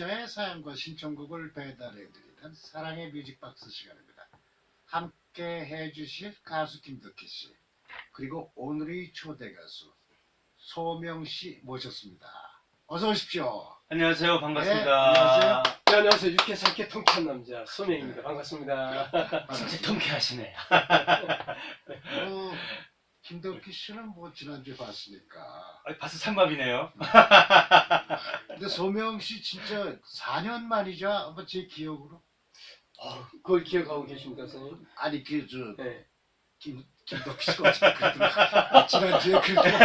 청취자의 사연과 신청곡을 배달해드리는 사랑의 뮤직박스 시간입니다. 함께 해주실 가수 김덕희 씨, 그리고 오늘의 초대 가수 소명 씨 모셨습니다. 어서 오십시오. 안녕하세요. 반갑습니다. 네, 안녕하세요. 네, 안녕하세요. 육회 삼케 통쾌한 남자 소명입니다. 반갑습니다. 진짜 통쾌하시네. 김덕희 씨는 뭐 지난주에 봤으니까. 벌써 삼밥이네요. 근데 소명 씨 진짜 4년 만이죠? 아마 제 기억으로. 그걸 기억하고 계십니까, 선생님? 아니 네. 김덕희 씨가 어차피 그러더라고요. 지난주에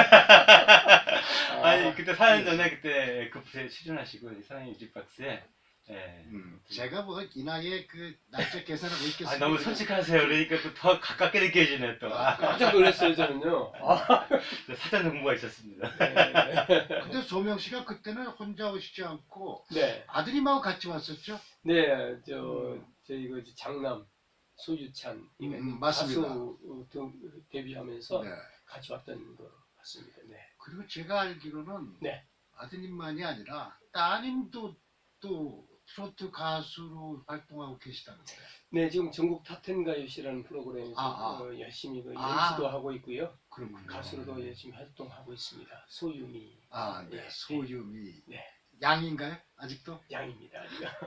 아니 그때 4년 전에 그때 급부에 출연하시고 사랑의 뮤직박스에 제가 뭐 이 나이에 그 날짜 계산하고 있겠습니다. 너무 솔직하세요. 그러니까 또 더 가깝게 느껴지네 또. 깜짝 놀랐어요, 저는요. 사전 정보가 있었습니다. 네. 근데 소명 씨가 그때는 혼자 오시지 않고 네. 아드님하고 같이 왔었죠? 네, 저희 그 장남 소유찬 맞습니다. 가수 데뷔하면서 네. 같이 왔던 거 같습니다. 네. 그리고 제가 알기로는 네. 아드님만이 아니라 따님도 또 트로트 가수로 활동하고 계시다는데. 네, 지금 전국 탑텐 가요시라는 프로그램에서 열심히 MC도 하고 있고요. 그렇군요. 가수로도 열심히 활동하고 있습니다. 소유미. 네. 소유미. 네. 양인가요? 아직도? 양입니다.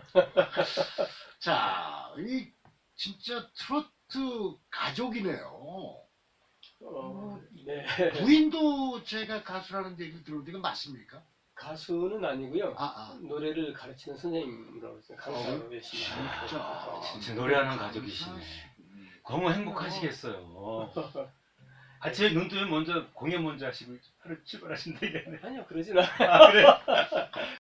자, 이 진짜 트로트 가족이네요. 네. 부인도 제가 가수라는 얘기를 들었는데 이건 맞습니까? 가수는 아니고요. 아. 노래를 가르치는 선생님으로 강사로 열심히 하고 진짜 노래하는 가족이시네. 너무 행복하시겠어요. 아침에 눈 뜨면 먼저 공연 먼저 하시고 하루 출발하신다 이게. 아니요, 그러진 않아요. 아, 그래?